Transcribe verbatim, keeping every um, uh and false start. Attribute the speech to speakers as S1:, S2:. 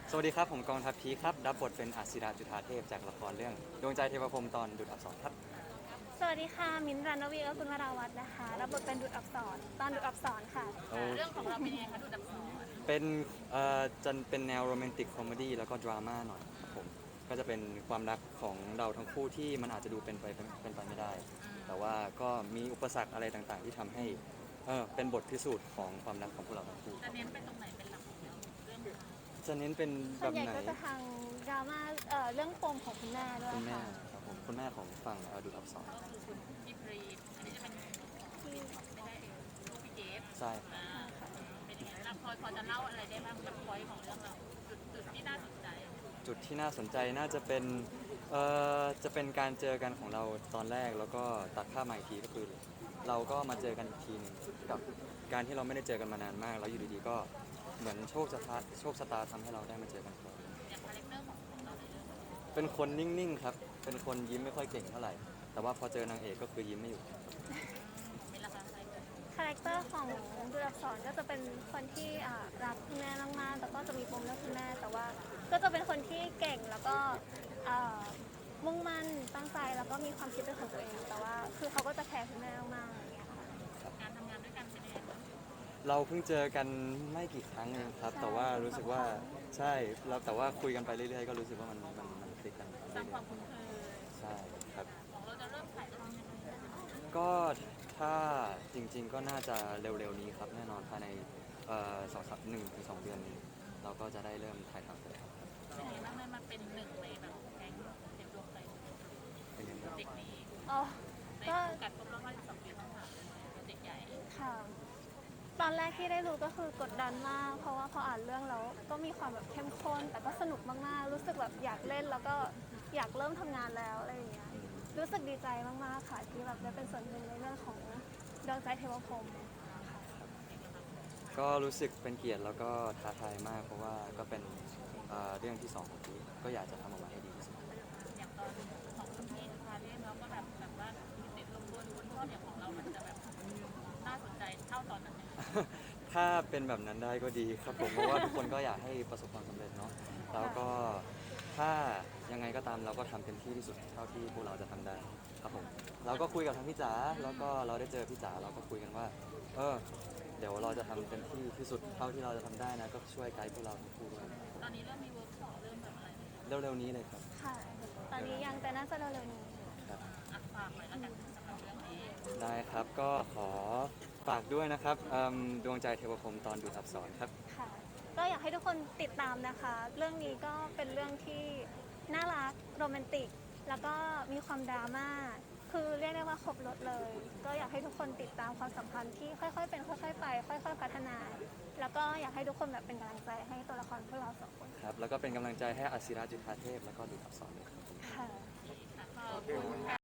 S1: สวัสดีครับผมกองทัพพีคครับรับบทเป็นอัศราจุฑาเทพจากละครเรื่องดวงใจเทวพรหมตอนดุจอักษรครับ
S2: สวัสดีค่ะมิ้นท์รันวีและคุณวราวัฒน์นะคะรับบทเป็นดุจอักษรตอนดุจอักษรค่ะ
S1: โอ
S3: เรื่องของเราเป็นยังไงคะดูดับซ้อน
S1: เป็นเอ่อจะเป็นแนวโรแมนติกคอมเมดี้แล้วก็ดราม่าหน่อยครับผมก็จะเป็นความรักของเราทั้งคู่ที่มันอาจจะดูเป็นไปเป็นเป็นไปไม่ได้ แต่ว่าก็มีอุปสรรคอะไรต่างๆ ที่ทำให้เออเป็นบทพิสูจน์ของความรักของพวกเราทั้งคู่
S3: จะเน้นไปตรงไหนเป็นหลักของเรื่องเรื่องราว
S1: จะเน้นเป็นแบ
S2: ส่วน
S1: บ
S2: ใหญ่
S1: ไหน
S2: ก็จะทางดราม่าเอ่อเรื่องปมของคุณแม่ด้วย
S1: คุณแม่
S2: ค่ะ
S1: ครับผมคุณแม่ของฝั่งเอ่อดุจอักษร
S3: ก็คือคุณพี่พรีอันนี้จะเป็นที่ไม่ได้ลูกพี่เจฟ
S1: ใช่
S3: อ่าเป็นยังไงเราพอพอจะเล่าอะไรได้บ้างกับพอยของเรื่องเราจุดจุดที่น่าสนใจ
S1: จุดที่น่าสนใจน่าจะเป็นเอ่อจะเป็นการเจอกันของเราตอนแรกแล้วก็ตัดภาพมาอีกทีก็คือ เราก็มาเจอกันอีกทีหนึงกับการที่เราไม่ได้เจอกันมานานมาก แล้วอยู่ดีๆก็เหมือนโชคชะตาโชคชะตาทำให้เราได้มาเจอกันครับ
S3: อย่างคาแรคเตอร์ของของเราในเรื่อง
S1: เป็นคนนิ่งๆครับเป็นคนยิ้มไม่ค่อยเก่งเท่าไหร่แต่ว่าพอเจอนางเอกก็คือยิ้มไม่อยู่
S3: เป็นราคาอะไรกัน
S2: คาแรคเตอร์ของดุจอักษรก็จะเป็นคนที่อ่ารักคุณแม่มากๆแต่ก็จะมีปมเรื่องคุณแม่แต่ว่าก็จะเป็นคนที่เก่งแล้วก็อ่ามุ่งมั่นตั้งใจแล้วก็มีความคิดเป็นของตัวเองแต่ว่าคือเขาก็จะแคร์คุณแม่มากๆอย่างเงี้ยค่ะ
S3: การทำงานด้วยกันเป็นยังไงบ้าง
S1: เราเพิ่งเจอกันไม่กี่ครั้งเองครับ
S2: ใช่
S1: แต่ว่ารู้สึกว่าใช่แล้วแต่ว่าคุยกันไปเรื่อยๆก็รู้สึกว่ามันมันมันคลิกกัน
S3: สร้างความคุ้นเคย
S1: ใช่ครับ
S3: ของเราจะเริ่มถ่ายทำยังไงบ้าง
S1: ก็ถ้าจริงๆก็น่าจะเร็วๆนี้ครับแน่นอนภายในเอ่อสองสามหนึ่งถึงสองเดือนนี้เราก็จะได้เริ่มถ่ายทำกันแล้วครับ
S3: เป็นยังไงบ้างเลยมาเป็นหนึ่งในแบบแก๊งเด็กดวงใจ
S1: เป็นยังไงบ้าง
S3: เด็กนี้
S2: อ๋อ
S3: ใน
S2: ก็
S3: โอกาสครบรอบห้าสิบสองปีต้องถามเด็กใหญ่
S2: ค่ะตอนแรกที่ได้รู้ก็คือกดดันมาก เพราะว่าพออ่านเรื่องแล้วก็มีความแบบเข้มข้น แต่ก็สนุกมากๆ รู้สึกแบบอยากเล่นแล้วก็อยากเริ่มทำงานแล้วอะไรอย่างเงี้ย รู้สึกดีใจมากๆค่ะที่แบบได้เป็นส่วนหนึ่งในเรื่องของดวงใจเทวพรหม
S1: ก็รู้สึกเป็นเกียรติแล้วก็ท้าทายมาก เพราะว่าก็เป็นเอ่อเรื่องที่สองของพีคก็อยากจะทำออกมาให้ดีที่สุด
S3: อย่างตอนของคุณพี่พาเล่นแล้วก็แบบแบบว่าติดลมบนบนท่อนอย่างของเรา มันจะแบบน่าสนใจเท่าตอนนั้นไหม
S1: ถ้าเป็นแบบนั้นได้ก็ดีครับผม เพราะว่าทุกคนก็อยากให้ประสบความสำเร็จเนาะแล้วก็ถ้ายังไงก็ตามเราก็ทำเต็มที่ที่สุดเท่าที่พวกเราจะทำได้ครับผมเราก็คุยกับทางพี่จ๋าแล้วก็เราได้เจอพี่จ๋าเราก็คุยกันว่าเออเดี๋ยวเราจะทำเต็มที่ที่สุดเท่าที่เราจะทำได้นะก็ช่วยไกด์พวกเราทั้งคู่ด้วย
S3: ตอนนี้เริ่มมีเวิร์กช็อปเริ่มแบบอะไรไหม
S1: เร็วๆนี้เลยครับ
S2: ค่ะ ตอนนี้ยังแต่น่าจะเร็วๆนี้
S1: ครับ
S3: อ่ะฝากหน่อยแล้วกันสำหรับเรื่องนี้
S1: ได้ครับก็ขอฝากด้วยนะครับเอิ่มดวงใจเทวพรหมตอนดูดอับสรครับ
S2: ค่ะ ก็อยากให้ทุกคนติดตามนะคะ เรื่องนี้ก็เป็นเรื่องที่น่ารักโรแมนติก แล้วก็มีความดราม่า คือเรียกได้ว่าครบรถเลย ก็อยากให้ทุกคนติดตามความสัมพันธ์ที่ค่อยๆ เป็นค่อยๆ ไป ค่อยๆ พัฒนา แล้วก็อยากให้ทุกคนแบบเป็นกำลังใจให้ตัวละครพวกเราสองคน
S1: ครับแล้วก็เป็นกำลังใจให้อศิราจุฑาเทพแล้วก็ดูดอับสรด้วยครับ
S2: ค่ะ
S3: ขอบคุณค่ะ